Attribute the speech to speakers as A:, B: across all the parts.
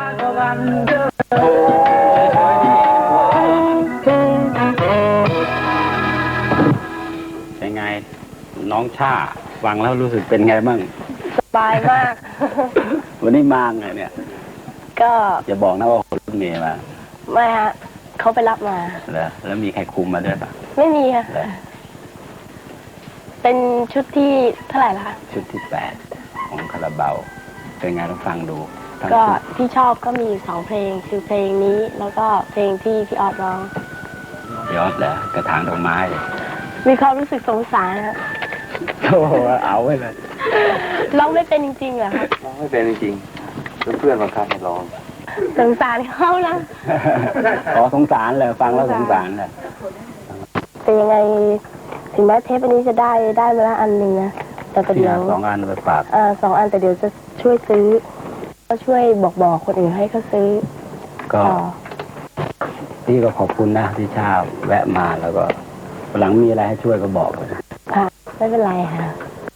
A: เป็นไงน้องชาฟังแล้วรู้สึกเป็นไงบ้าง
B: สบายมาก
A: วันนี้มาไงเนี่ย
B: ก็
A: จะบอกนะว่าคนรถเมย์มา
B: ไม่ฮะเขาไปรับมา
A: แล้วมีใครคุมมาด้วยปะ
B: ไม่มีค่ะเป็นชุดที่เท่าไหร่ล่ะคะ
A: ชุดที่8ของคาราบาวเป็นไงต้องฟังดู
B: ก็ที่ชอบก็มี2เพลงคือเพลงนี้แล้วก็เพลงที่พี่ออดร้อง
A: พี่ออดเหรอกระถางดอกไม้
B: มีความรู้สึกสงสารนะ
A: โอ้เอาไว้เลย
B: ร้องไม่เป็นจริงๆเหรอคะ
A: ร้องไม่เป็นจริงๆเพื่อนบังคับให้ร้อง
B: สงสารเขานะ
A: อ๋อสงสารเลยฟังแล้วสงสารเลย
B: แต่ยังไงถึงแม้เทปอันนี้จะได้มาละอันหนึ่งนะแต่เดี๋ยว
A: 2 อันไปฝาก
B: 2 อันแต่เดี๋ยวจะช่วยซื้อก็ช่วยบอกคนอื่นให้เขาซื้อ
A: ก็พี่ก็ขอบคุณนะที่ชาแวะมาแล้วก็หลังมีอะไรให้ช่วยก็บอกเลย
B: ค่ะไม่เป็นไรค่ะ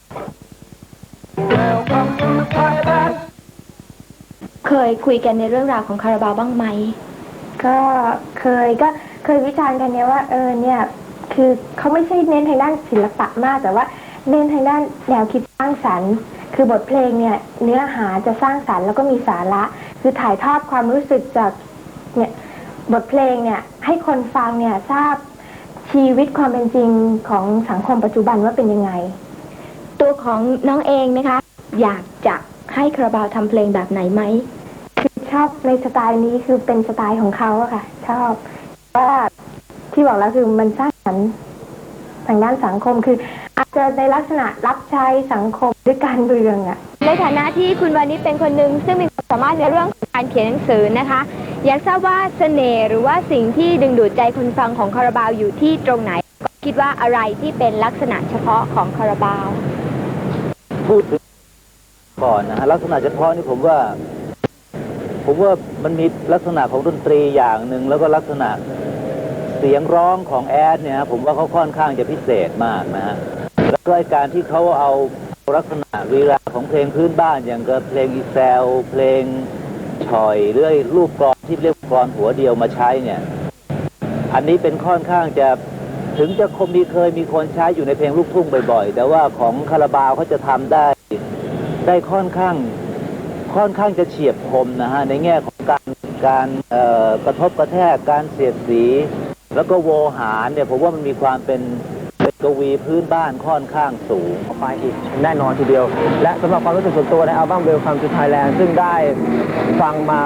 C: เคยคุยกันในเรื่องราวของคาราบาวบ้างไหม
B: ก็เคยวิจารณ์กันเนี่ยว่าเนี่ยคือเขาไม่ใช่เน้นทางด้านศิลปะมากแต่ว่าเน้นทางด้านแนวคิดสร้างสรรค์คือบทเพลงเนี่ยเนื้อหาจะสร้างสรรค์แล้วก็มีสาระคือถ่ายทอดความรู้สึกจากเนี่ยบทเพลงเนี่ยให้คนฟังเนี่ยทราบชีวิตความเป็นจริงของสังคมปัจจุบันว่าเป็นยังไง
C: ตัวของน้องเองนะคะอยากจะให้คาราบาวทำเพลงแบบไหนไหม
B: คือชอบในสไตล์นี้คือเป็นสไตล์ของเขาอะค่ะชอบว่าที่บอกแล้วคือมันสร้างสรรค์ทางด้านสังคมคืออาจจะในลักษณะรับใช้สังคมด้วยการเมืองอะ
C: ในฐานะที่คุณวานิชเป็นคนหนึ่งซึ่งมีความสามารถในเรื่องของการเขียนหนังสือนะคะอยากทราบว่าเสน่ห์หรือว่าสิ่งที่ดึงดูดใจคนฟังของคาราบาวอยู่ที่ตรงไหนคิดว่าอะไรที่เป็นลักษณะเฉพาะของคาราบาว
D: พูดถึงก่อนนะฮะลักษณะเฉพาะนี่ผมว่ามันมีลักษณะของดนตรีอย่างหนึ่งแล้วก็ลักษณะเสียงร้องของแอดเนี่ยผมว่าเขาค่อนข้างจะพิเศษมากนะฮะแล้วก็การที่เขาเอาลักษณะลีลาของเพลงพื้นบ้านอย่างกับเพลงอีแซวเพลงฉ่อยหรือรูปกลอนที่เรียกกลอนหัวเดียวมาใช้เนี่ยอันนี้เป็นค่อนข้างจะถึงจะเคยมีคนใช้อยู่ในเพลงลูกทุ่งบ่อยๆแต่ว่าของคาราบาวเขาจะทำได้ค่อนข้างจะเฉียบคมนะฮะในแง่ของการกระทบกระแทกการเสียดสีแล้วก็โวหารเนี่ยผมว่ามันมีความเป็นกวีพื้นบ้านค่อนข้างสูง
E: ไปอีกแน่นอนทีเดียวและสำหรับความรู้สึกส่วนตัวในอัลบั้ม Welcome to Thailand ซึ่งได้ฟังมา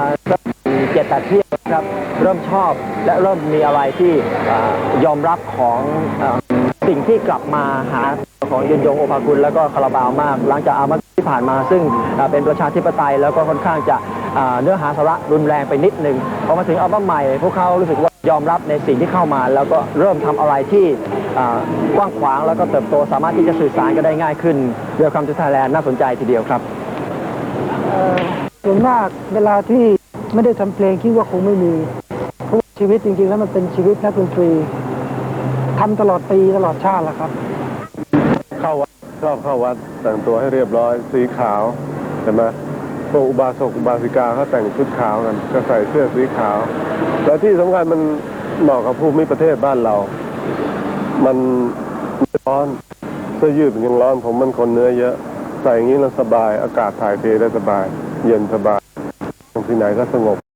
E: 7-8 เที่ยวครับเริ่มชอบและเริ่มมีอะไรที่ยอมรับของสิ่งที่กลับมาหาของยนยงโอภากุลแล้วก็คาราบาวมากหลังจากอัลบั้มที่ผ่านมาซึ่งเป็นประชาธิปไตยแล้วก็ค่อนข้างจะเนื้อหาสาระรุนแรงไปนิดนึงพอมาถึงอัลบั้มใหม่พวกเขารู้สึกว่ายอมรับในสิ่งที่เข้ามาแล้วก็เริ่มทำอะไรที่กว้างขวางแล้วก็เติบโตสามารถที่จะสื่อสารกันได้ง่ายขึ้นWelcome to Thailandน่าสนใจทีเดียวครับ
F: ส่วนมากเวลาที่ไม่ได้ทำเพลงคิดว่าคงไม่มีเพราะชีวิตจริงๆแล้วมันเป็นชีวิตนักดนตรีทำตลอดปีตลอดชาติแหละครับ
G: เข้าวัดชอบเข้าวัดแต่งตัวให้เรียบร้อยสีขาวเห็นไหมพวกอุบาสกอุบาสิกาเขาแต่งชุดขาวกันก็ใส่เสื้อสีขาวและที่สำคัญมันเหมาะกับภูมิประเทศบ้านเรามันร้อนเสื้อยืดมันยังร้อนผมมันคนเนื้อเยอะใส่อย่างนี้แล้วสบายอากาศถ่ายเทได้สบายเย็นสบายที่ไหนก็สงบ